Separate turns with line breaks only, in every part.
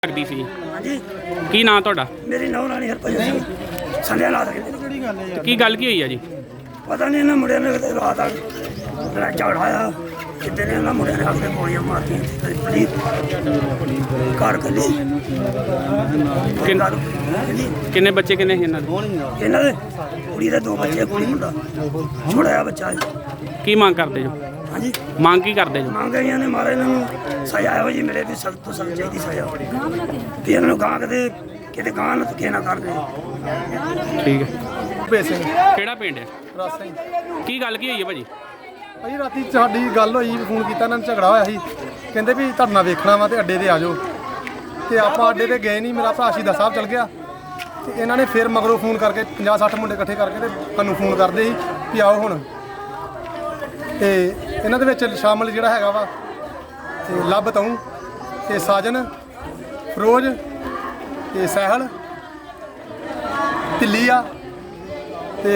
ਲੱਗਦੀ ਸੀ।
ਹਾਂਜੀ
ਕੀ ਨਾਂ ਤੁਹਾਡਾ?
ਮੇਰੀ ਨੌਂ ਰਾਣੀ ਹਰਭਜਨ ਸਿੰਘ ਸੰਧਿਆ ਲਾ ਦੇ।
ਤੇ ਕੀ ਗੱਲ ਕੀ ਹੋਈ ਆ ਜੀ?
ਪਤਾ ਨਹੀਂ ਇਹਨਾਂ ਮੁੰਡਿਆਂ ਨੇ ਕਿਤੇ ਰਾਤ ਆ ਲੜਾ ਝਗੜਾਇਆ ਕਿਤੇ ਨੇ ਇਹਨਾਂ ਮੁੰਡਿਆਂ ਨੇ ਆਪਣੇ ਗੋਲੀਆਂ ਮਾਰਤੀਆਂ ਪਲੀਜ਼ ਕਾਰ ਕੱਲੀ
ਕਿੰਨੇ ਬੱਚੇ ਕਿੰਨੇ ਸੀ ਇਹਨਾਂ ਦੇ?
ਇਹਨਾਂ ਦੇ ਕੁੜੀ ਦੇ ਦੋ ਬੱਚੇ ਕੁੜੀ ਮੁੰਡਾ ਛੋੜਿਆ ਬੱਚਾ
ਕੀ ਮੰਗ ਕਰਦੇ ਜੋ?
ਹਾਂਜੀ
ਮੰਗ ਕੀ ਕਰਦੇ ਜੋ?
ਮੰਗ ਰਹੀਆਂ ਨੇ ਮਾਰੇ ਇਹਨਾਂ ਨੂੰ ਸਜ਼ਾ ਇਹੋ ਜਿਹੀ ਮਿਲੇ ਵੀ ਸਖਤ ਤੋਂ ਸਖਤ ਚਾਹੀਦੀ ਸਜ਼ਾ ਵੀ ਇਹਨਾਂ ਨੂੰ ਗਾਂ ਕਿਤੇ ਗਾਂ ਨਾ ਧੱਕੇ ਨਾ ਕਰਦੇ।
ਠੀਕ ਹੈ।
ਭੇਜ ਸਿੰਘ
ਕਿਹੜਾ ਪਿੰਡ ਹੈ?
ਰਸ ਸਿੰਘ
ਕੀ ਗੱਲ ਕੀ ਹੋਈ ਹੈ ਭਾਜੀ?
ਭਾਈ ਰਾਤੀ ਸਾਡੀ ਗੱਲ ਹੋਈ, ਫੋਨ ਕੀਤਾ ਇਹਨਾਂ ਨੂੰ, ਝਗੜਾ ਹੋਇਆ ਸੀ, ਕਹਿੰਦੇ ਵੀ ਤੁਹਾਡੇ ਨਾਲ ਵੇਖਣਾ ਵਾ ਤੇ ਅੱਡੇ ਤੇ ਆ ਜਾਓ। ਤੇ ਆਪਾਂ ਅੱਡੇ ਤੇ ਗਏ ਨਹੀਂ, ਮੇਰਾ ਭਰਾ ਸ਼ਹੀਦਾਂ ਸਾਹਿਬ ਚਲ ਗਿਆ ਤੇ ਇਹਨਾਂ ਨੇ ਫਿਰ ਮਗਰੋਂ ਫੋਨ ਕਰਕੇ 50-60 ਮੁੰਡੇ ਇਕੱਠੇ ਕਰਕੇ ਤੇ ਸਾਨੂੰ ਫੋਨ ਕਰਦੇ ਸੀ ਵੀ ਆਓ ਹੁਣ। ਤੇ ਇਹਨਾਂ ਦੇ ਵਿੱਚ ਸ਼ਾਮਲ ਜਿਹੜਾ ਹੈਗਾ ਵਾ ਤੇ ਲੱਭ ਤੂੰ ਤੇ ਸਾਜਨ ਫਰੋਜ਼ ਤੇ ਸਹਿਲ ਢਿੱਲੀ ਆ ਤੇ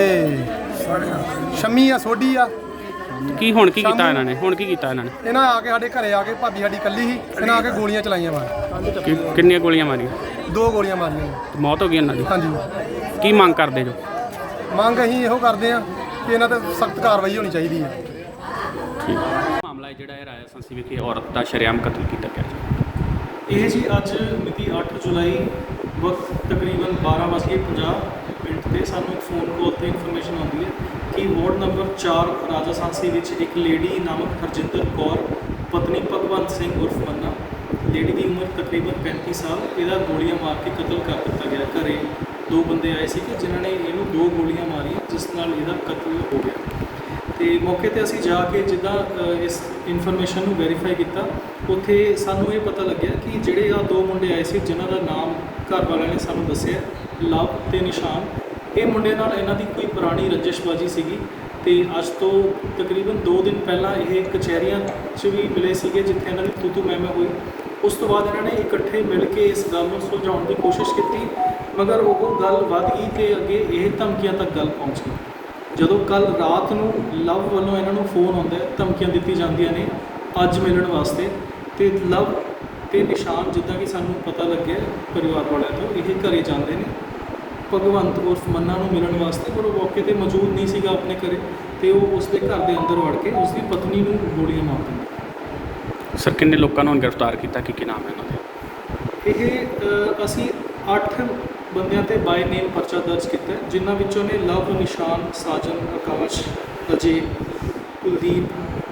ਸ਼ਮੀ ਆ ਸੋਢੀ ਆ।
ਕੀ ਹੁਣ ਕੀ ਕੀਤਾ ਇਹਨਾਂ ਨੇ? ਹੁਣ ਕੀ ਕੀਤਾ ਇਹਨਾਂ ਨੇ?
ਇਹਨਾਂ ਆ ਕੇ ਸਾਡੇ ਘਰੇ ਆ ਕੇ ਭਾਬੀ ਸਾਡੀ ਇਕੱਲੀ ਸੀ, ਇਹਨਾਂ ਆ ਕੇ ਗੋਲੀਆਂ ਚਲਾਈਆਂ ਵਾ।
ਕਿੰਨੀਆਂ ਗੋਲੀਆਂ ਮਾਰੀਆਂ?
2 ਗੋਲੀਆਂ ਮਾਰੀਆਂ ਨੇ।
ਤੇ ਮੌਤ ਹੋ ਗਈ ਇਹਨਾਂ ਦੀ?
ਹਾਂਜੀ।
ਕੀ ਮੰਗ ਕਰਦੇ ਜੋ?
ਮੰਗ ਅਸੀਂ ਇਹੋ ਕਰਦੇ ਆ ਕਿ ਇਹਨਾਂ ਤੇ ਸਖਤ ਕਾਰਵਾਈ ਹੋਣੀ ਚਾਹੀਦੀ ਹੈ।
ਠੀਕ। ਮਾਮਲਾ ਜਿਹੜਾ ਹੈ ਰਾਜਾ ਸੰਸੀ ਵਿਖੇ ਔਰਤ ਦਾ ਸ਼ਰੇਆਮ ਕਤਲ ਕੀਤਾ ਗਿਆ ਜੀ।
ਇਹ ਜੀ ਅੱਜ ਮਿਤੀ 8 ਜੁਲਾਈ ਵਕਤ ਤਕਰੀਬਨ 12:50 ਮਿੰਟ ਤੇ ਸਾਨੂੰ ਇੱਕ ਫੋਨ ਕਾਲ ਤੇ ਇਨਫੋਰਮੇਸ਼ਨ ਆਉਂਦੀ ਹੈ ਕਿ ਵਾਰਡ ਨੰਬਰ 4 ਰਾਜਾ ਸਾਂਸੀ ਵਿੱਚ ਇੱਕ ਲੇਡੀ ਨਾਮਕ ਹਰਜਿੰਦਰ ਕੌਰ ਪਤਨੀ ਭਗਵੰਤ ਸਿੰਘ ਉਰਫ ਮੰਨਾ, ਲੇਡੀ ਦੀ ਉਮਰ ਤਕਰੀਬਨ 35 ਸਾਲ, ਇਹਦਾ ਗੋਲੀਆਂ ਮਾਰ ਕੇ ਕਤਲ ਕਰ ਦਿੱਤਾ ਗਿਆ। ਘਰੇ 2 ਬੰਦੇ ਆਏ ਸੀ ਕਿ ਜਿਨ੍ਹਾਂ ਨੇ ਇਹਨੂੰ 2 ਗੋਲੀਆਂ ਮਾਰੀਆਂ ਜਿਸ ਨਾਲ ਇਹਦਾ ਕਤਲ ਹੋ ਗਿਆ। ਤੇ ਮੌਕੇ ਤੇ ਅਸੀਂ ਜਾ ਕੇ ਜਿੱਦਾਂ ਇਸ ਇਨਫੋਰਮੇਸ਼ਨ ਨੂੰ ਵੈਰੀਫਾਈ ਕੀਤਾ, ਉੱਥੇ ਸਾਨੂੰ ਇਹ ਪਤਾ ਲੱਗਿਆ ਕਿ ਜਿਹੜੇ ਆ 2 ਮੁੰਡੇ ਆਏ ਸੀ ਜਿਨ੍ਹਾਂ ਦਾ ਨਾਮ ਘਰ ਵਾਲਿਆਂ ਨੇ ਸਾਨੂੰ ਦੱਸਿਆ ਲਵ ਤੇ ਨਿਸ਼ਾਨ, ਇਹ ਮੁੰਡੇ ਨਾਲ ਇਹਨਾਂ ਦੀ ਕੋਈ ਪੁਰਾਣੀ ਰੰਜਿਸ਼ਬਾਜੀ ਸੀਗੀ। ਤੇ ਅੱਜ ਤੋਂ ਤਕਰੀਬਨ 2 ਦਿਨ ਪਹਿਲਾਂ ਇਹ ਕਚਹਿਰੀਆਂ 'ਚ ਵੀ ਮਿਲੇ ਸੀਗੇ ਜਿੱਥੇ ਇਹਨਾਂ ਦੀ ਤੂਤੂ ਮਹਿਮੇ ਹੋਈ। ਉਸ ਤੋਂ ਬਾਅਦ ਇਹਨਾਂ ਨੇ ਇਕੱਠੇ ਮਿਲ ਕੇ ਇਸ ਗੱਲ ਨੂੰ ਸੁਲਝਾਉਣ ਦੀ ਕੋਸ਼ਿਸ਼ ਕੀਤੀ, ਮਗਰ ਉਹ ਗੱਲ ਵੱਧ ਗਈ ਤੇ ਅੱਗੇ ਇਹ ਧਮਕੀਆਂ ਤੱਕ ਗੱਲ ਪਹੁੰਚ ਗਈ। ਜਦੋਂ ਕੱਲ ਰਾਤ ਨੂੰ ਲਵ ਵੱਲੋਂ ਇਹਨਾਂ ਨੂੰ ਫੋਨ ਆਉਂਦਾ, ਧਮਕੀਆਂ ਦਿੱਤੀ ਜਾਂਦੀਆਂ ਨੇ ਅੱਜ ਮਿਲਣ ਵਾਸਤੇ, ਤੇ ਲਵ ਤੇ ਨਿਸ਼ਾਨ ਜਿੱਦਾਂ ਕਿ ਸਾਨੂੰ ਪਤਾ ਲੱਗਿਆ ਪਰਿਵਾਰ ਵਾਲਿਆਂ ਤੋਂ, ਇਹ ਘਰੇ ਜਾਂਦੇ ਨੇ ਭਗਵੰਤ ਉਰਫ ਮੰਨਾ ਨੂੰ ਮਿਲਣ ਵਾਸਤੇ, ਪਰ ਉਹ ਮੌਕੇ 'ਤੇ ਮੌਜੂਦ ਨਹੀਂ ਸੀਗਾ ਆਪਣੇ ਘਰੇ, ਤੇ ਉਹ ਉਸਦੇ ਘਰ ਦੇ ਅੰਦਰ ਵੜ ਕੇ ਉਸਦੀ ਪਤਨੀ ਨੂੰ ਗੋਲੀਆਂ ਮਾਰ ਦਿੰਦਾ।
ਸਰ ਕਿੰਨੇ ਲੋਕਾਂ ਨੂੰ ਗ੍ਰਿਫਤਾਰ ਕੀਤਾ? ਕੀ ਨਾਮ ਹੈ ਇਹਨਾਂ ਦੇ?
ਇਹ ਅਸੀਂ 8 ਬੰਦਿਆਂ ਤੇ ਬਾਈ ਨੇਮ ਪਰਚਾ ਦਰਜ ਕੀਤਾ, ਜਿਨ੍ਹਾਂ ਵਿੱਚੋਂ ਨੇ ਲਵ, ਨਿਸ਼ਾਨ, ਸਾਜਨ, ਆਕਾਸ਼, ਅਜੇ, ਕੁਲਦੀਪ,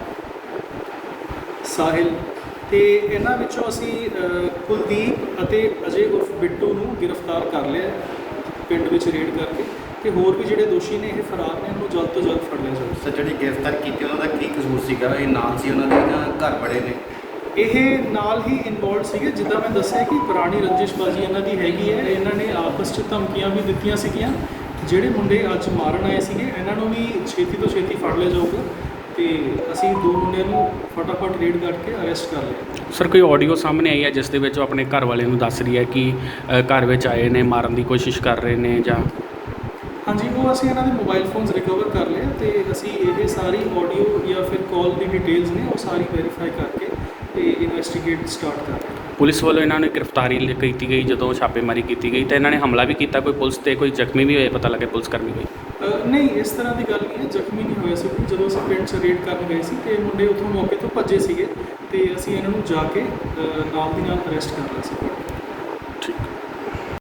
ਸਾਹਿਲ, ਤੇ ਇਹਨਾਂ ਵਿੱਚੋਂ ਅਸੀਂ ਕੁਲਦੀਪ ਅਤੇ ਅਜੇ ਉਰਫ ਬਿੱਟੂ ਨੂੰ ਗ੍ਰਿਫਤਾਰ ਕਰ ਲਿਆ ਪਿੰਡ ਵਿੱਚ ਰੇਡ ਕਰਕੇ, ਤੇ ਹੋਰ ਵੀ ਜਿਹੜੇ ਦੋਸ਼ੀ ਨੇ ਇਹ ਫਰਾਰ ਨੇ, ਉਹਨੂੰ ਜਲਦ ਤੋਂ ਜਲਦ ਫੜ ਲਿਆ ਜਾਵੇ।
ਸਰ ਜਿਹੜੀ ਗ੍ਰਿਫਤਾਰ ਕੀਤੀ ਉਹਨਾਂ ਦਾ ਕੀ ਕਸੂਰ ਸੀਗਾ? ਇਹ ਨਾਲ ਸੀ ਉਹਨਾਂ ਦੇ ਜਾਂ ਘਰ ਬੜੇ ਨੇ?
ਇਹ ਨਾਲ ਹੀ ਇਨਵੋਲਡ ਸੀਗੇ, ਜਿੱਦਾਂ ਮੈਂ ਦੱਸਿਆ ਕਿ ਪੁਰਾਣੀ ਰੰਜਿਸ਼ਬਾਜ਼ੀ ਇਹਨਾਂ ਦੀ ਹੈਗੀ ਹੈ। ਇਹਨਾਂ ਨੇ ਆਪਸ 'ਚ ਧਮਕੀਆਂ ਵੀ ਦਿੱਤੀਆਂ ਸੀਗੀਆਂ। ਜਿਹੜੇ ਮੁੰਡੇ ਅੱਜ ਮਾਰਨ ਆਏ ਸੀਗੇ ਇਹਨਾਂ ਨੂੰ ਵੀ ਛੇਤੀ ਤੋਂ ਛੇਤੀ ਫੜ ਲਿਆ ਜਾਊਗਾ, ਤੇ ਅਸੀਂ 2 ਮੁੰਡਿਆਂ ਨੂੰ ਫਟਾਫਟ ਰੇਡ ਕਰਕੇ ਅਰੈਸਟ ਕਰ ਲਿਆ।
ਸਰ ਕੋਈ ਆਡੀਓ ਸਾਹਮਣੇ ਆਈ ਹੈ ਜਿਸ ਦੇ ਵਿੱਚ ਉਹ ਆਪਣੇ ਘਰ ਵਾਲੇ ਨੂੰ ਦੱਸ ਰਹੀ ਹੈ ਕਿ ਘਰ ਵਿੱਚ ਆਏ ਨੇ, ਮਾਰਨ ਦੀ ਕੋਸ਼ਿਸ਼ ਕਰ ਰਹੇ ਨੇ ਜਾਂ?
ਹਾਂਜੀ, ਉਹ ਅਸੀਂ ਇਹਨਾਂ ਦੇ ਮੋਬਾਈਲ ਫੋਨਸ ਰਿਕਵਰ ਕਰ ਲਏ ਤੇ ਅਸੀਂ ਇਹ ਸਾਰੀ ਆਡੀਓ ਜਾਂ ਫਿਰ ਕਾਲ ਦੀ ਡਿਟੇਲਸ ਨੇ ਉਹ ਸਾਰੀ ਵੈਰੀਫਾਈ ਕਰਕੇ ਤੇ ਇਨਵੈਸਟੀਗੇਟ ਸਟਾਰਟ ਕਰ ਰਹੇ।
ਪੁਲਿਸ ਵੱਲੋਂ ਇਹਨਾਂ ਨੂੰ ਗ੍ਰਿਫਤਾਰੀ ਕੀਤੀ ਗਈ, ਜਦੋਂ ਛਾਪੇਮਾਰੀ ਕੀਤੀ ਗਈ ਤਾਂ ਇਹਨਾਂ ਨੇ ਹਮਲਾ ਵੀ ਕੀਤਾ। ਕੋਈ ਪੁਲਿਸ ਤੇ ਕੋਈ ਜ਼ਖਮੀ ਵੀ ਹੋਏ? ਪਤਾ ਲੱਗੇ ਪੁਲਿਸ ਕਰਮੀ ਹੋਈ?
ਨਹੀਂ, ਇਸ ਤਰ੍ਹਾਂ ਦੀ ਗੱਲ ਨਹੀਂ ਹੈ, ਜ਼ਖਮੀ ਨਹੀਂ ਹੋਇਆ ਸੀ। ਜਦੋਂ ਅਸੀਂ ਪਿੰਡ 'ਚ ਰੇਡ ਕਰਨ ਗਏ ਸੀ ਤੇ ਮੁੰਡੇ ਉੱਥੋਂ ਮੌਕੇ ਤੋਂ ਭੱਜੇ ਸੀਗੇ, ਤੇ ਅਸੀਂ ਇਹਨਾਂ ਨੂੰ ਜਾ ਕੇ ਨਾਲ ਦੀ ਨਾਲ ਅਰੈਸਟ ਕਰ ਲਿਆ ਸੀ।